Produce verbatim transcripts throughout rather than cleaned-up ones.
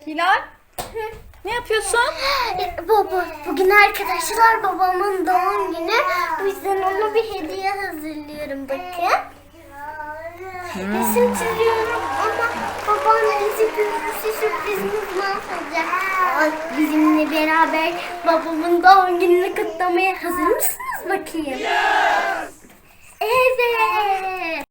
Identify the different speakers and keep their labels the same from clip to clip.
Speaker 1: Hilal, ne yapıyorsun?
Speaker 2: Baba, bugün arkadaşlar babamın doğum günü. Bu yüzden ona bir hediye hazırlıyorum bakın. Hmm. Resim çiziyorum ama babam bizi görürse sürprizimiz mahvolacak. Aa, bizimle beraber babamın doğum gününü kutlamaya hazır mısınız bakayım? Evet.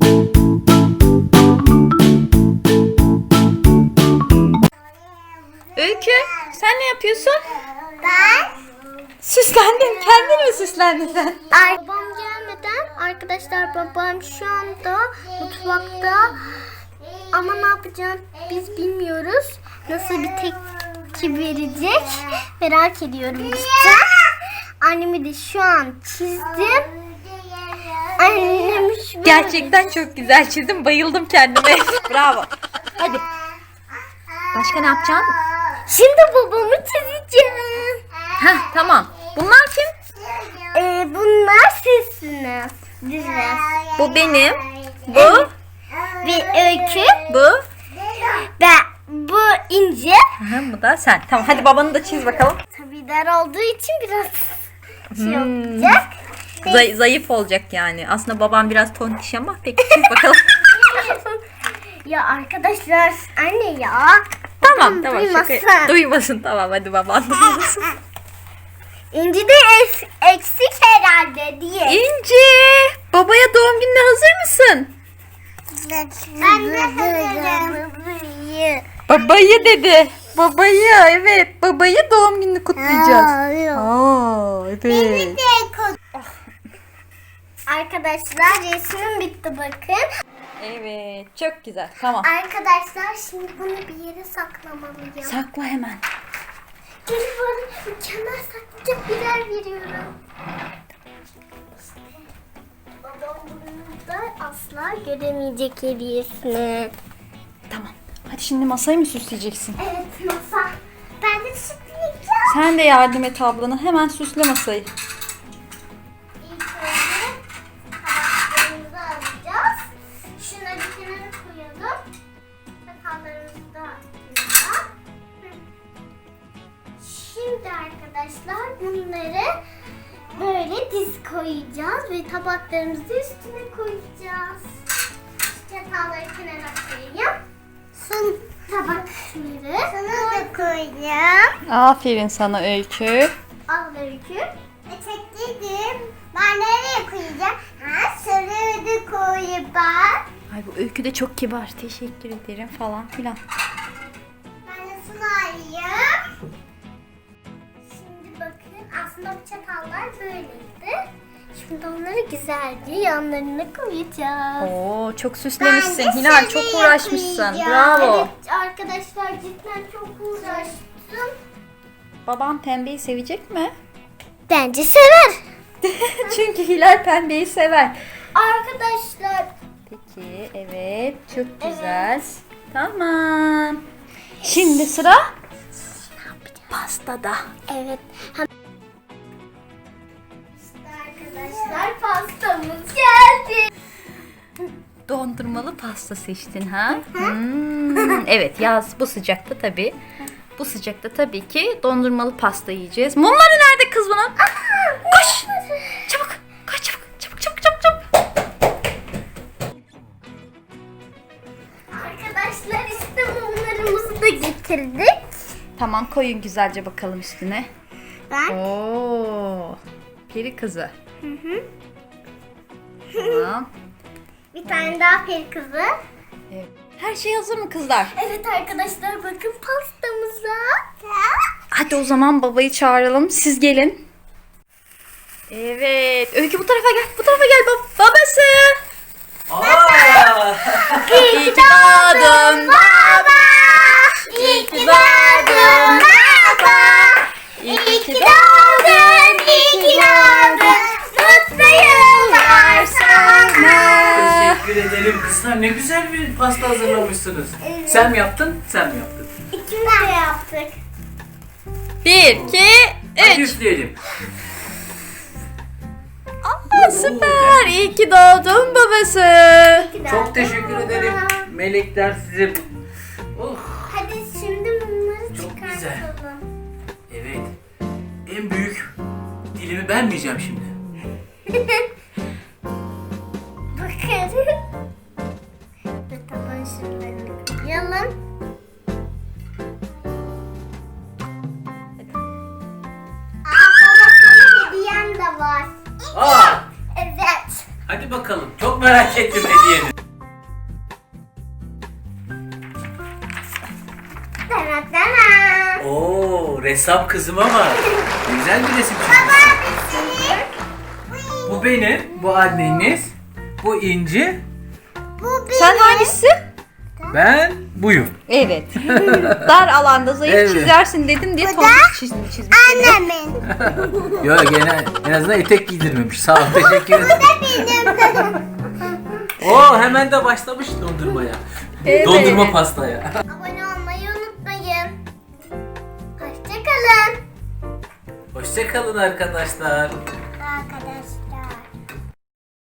Speaker 1: Öykü, sen ne yapıyorsun?
Speaker 2: Ben
Speaker 1: Süslendin, kendin mi süslendin sen?
Speaker 2: Ay, babam gelmeden arkadaşlar babam şu anda mutfakta ama ne yapacağım biz bilmiyoruz. Nasıl bir tepki verecek merak ediyorum işte. Annemi de şu an çizdim. Annem şu
Speaker 1: Gerçekten çok güzel çizdim, bayıldım kendime. Bravo. Hadi. Başka ne yapacaksın?
Speaker 2: Şimdi babamı çizeceğim.
Speaker 1: Heh, tamam. Bunlar kim?
Speaker 2: Ee, bunlar sizsiniz. Dizler.
Speaker 1: Bu benim. Bu.
Speaker 2: Ve Öykü.
Speaker 1: Bu.
Speaker 2: Ben bu İnce.
Speaker 1: Aha, bu da sen. Tamam, hadi babanı da çiz bakalım.
Speaker 2: Tabii dar olduğu için biraz şey
Speaker 1: Hmm.
Speaker 2: olacak.
Speaker 1: Zay- zayıf olacak yani. Aslında babam biraz tontiş ama peki çiz bakalım.
Speaker 2: Ya arkadaşlar anne ya.
Speaker 1: Tamam tamam.
Speaker 2: Duymasın.
Speaker 1: Şaka. Duymasın tamam, hadi baban duymasın.
Speaker 2: İnci de es- eksik herhalde diye.
Speaker 1: İnci, babaya doğum gününe hazır mısın?
Speaker 2: Ben de hazırım.
Speaker 1: Babayı dedi. Babayı, evet. Babayı doğum gününü kutlayacağız. Aa, evet.
Speaker 2: Arkadaşlar resmim bitti bakın.
Speaker 1: Evet, çok güzel. Tamam.
Speaker 2: Arkadaşlar şimdi bunu bir yere saklamalıyım.
Speaker 1: Sakla hemen.
Speaker 2: Gelin bana mükemmel saklayacak bir yer veriyorum. Babam bunu da asla göremeyecek hediyesini.
Speaker 1: Tamam. Hadi şimdi masayı mı süsleyeceksin?
Speaker 2: Evet masa. Ben de süsleyeceğim.
Speaker 1: Sen de yardım et ablana. Hemen süsle masayı.
Speaker 2: İlk önce tabaklarımızı alacağız. Şunları kenara koyalım. Sakallarımızı da kenara. Şimdi arkadaşlar bunları böyle diz koyacağız ve tabaklarımızı üstüne koyacağız. Çatalları kenara koyayım. Son tabakları sana da koyacağım.
Speaker 1: Aferin sana Öykü.
Speaker 2: Al Öykü. Çektirdim. Ben nereye koyacağım? Ha, şuraya da koyayım ben.
Speaker 1: Ay bu Öykü de çok kibar. Teşekkür ederim falan filan.
Speaker 2: Ben de şunu alayım. Şimdi bakın aslında bu çatallar böyleydi. Şimdi onları güzelce yanlarına koyacağız.
Speaker 1: Oo, çok süslemişsin.
Speaker 2: Ben de
Speaker 1: Hilal çok
Speaker 2: şuraya
Speaker 1: uğraşmışsın.
Speaker 2: koyacağım.
Speaker 1: Bravo.
Speaker 2: Evet arkadaşlar cidden çok uğraştım.
Speaker 1: Baban pembeyi sevecek mi?
Speaker 2: Bence sever.
Speaker 1: Çünkü Hilal pembeyi sever.
Speaker 2: Arkadaşlar
Speaker 1: Peki, evet. Çok güzel. Tamam. Şimdi sıra pastada.
Speaker 2: evet. Hem... İşte arkadaşlar pastamız geldi.
Speaker 1: Dondurmalı pasta seçtin ha? Hmm, evet, yaz bu sıcakta tabii. Bu sıcakta tabii ki dondurmalı pasta yiyeceğiz. Mumları nerede kız bunun? Koş! Çabuk! Koş çabuk! Çabuk çabuk çabuk çabuk!
Speaker 2: Arkadaşlar işte mumlarımızı da getirdik.
Speaker 1: Tamam, koyun güzelce bakalım üstüne.
Speaker 2: Ben
Speaker 1: Oo! Peri kızı. Hı hı. Tamam.
Speaker 2: bir tane daha peri kızı.
Speaker 1: Evet. Her şey hazır mı kızlar?
Speaker 2: Evet arkadaşlar bakın pastamıza.
Speaker 1: Hadi o zaman babayı çağıralım. Siz gelin. Evet. Öykü bu tarafa gel. Bu tarafa gel bab babası.
Speaker 3: Aa!
Speaker 1: İyi ki doğdun
Speaker 2: Baba! İyi ki doğdun baba! İyi ki doğdun, iyi ki doğdun. Mutlu yıllar sana.
Speaker 3: Teşekkür ederim kızlar. Ne güzel bir pasta hazırlamışsınız. Sen mi yaptın? Sen mi yaptın?
Speaker 2: İkimiz de yaptık.
Speaker 1: Bir, iki,
Speaker 3: Hadi
Speaker 1: üç.
Speaker 3: üfleyelim.
Speaker 1: Aa, süper. İyi ki doğdun babası.
Speaker 3: Çok teşekkür ederim. Melekler size... Oh.
Speaker 2: Hadi şimdi
Speaker 3: Çok güzel.
Speaker 2: Çıkartalım.
Speaker 3: Evet. En büyük dilimi ben mi yiyeceğim şimdi?
Speaker 2: Bakın. Ve taban şuralarını koyalım. Aa baba sana hediyem de var.
Speaker 3: Aa!
Speaker 2: Evet.
Speaker 3: Hadi bakalım. Çok merak ettim hediyeni.
Speaker 2: Dana dana.
Speaker 3: Oo, ressam kızım ama. Güzel bir resim çizmişsin. Bu benim, bu anneniz, bu İnci,
Speaker 2: Bu benim.
Speaker 1: Sen hangisi?
Speaker 3: ben buyum.
Speaker 1: Evet. Dar alanda zayıf
Speaker 3: Evet.
Speaker 1: çizersin dedim diye
Speaker 2: Bu da
Speaker 1: tombik çizim çizmiş.
Speaker 2: Annemin.
Speaker 3: Yok gene en azından etek giydirmemiş. Sağ ol, teşekkür ederim. Oo, hemen de başlamış dondurmaya.
Speaker 1: Evet.
Speaker 3: Dondurma pastaya.
Speaker 2: Abone olmayı unutmayın. Hoşçakalın.
Speaker 3: Hoşça kalın arkadaşlar.
Speaker 2: Arkadaşlar.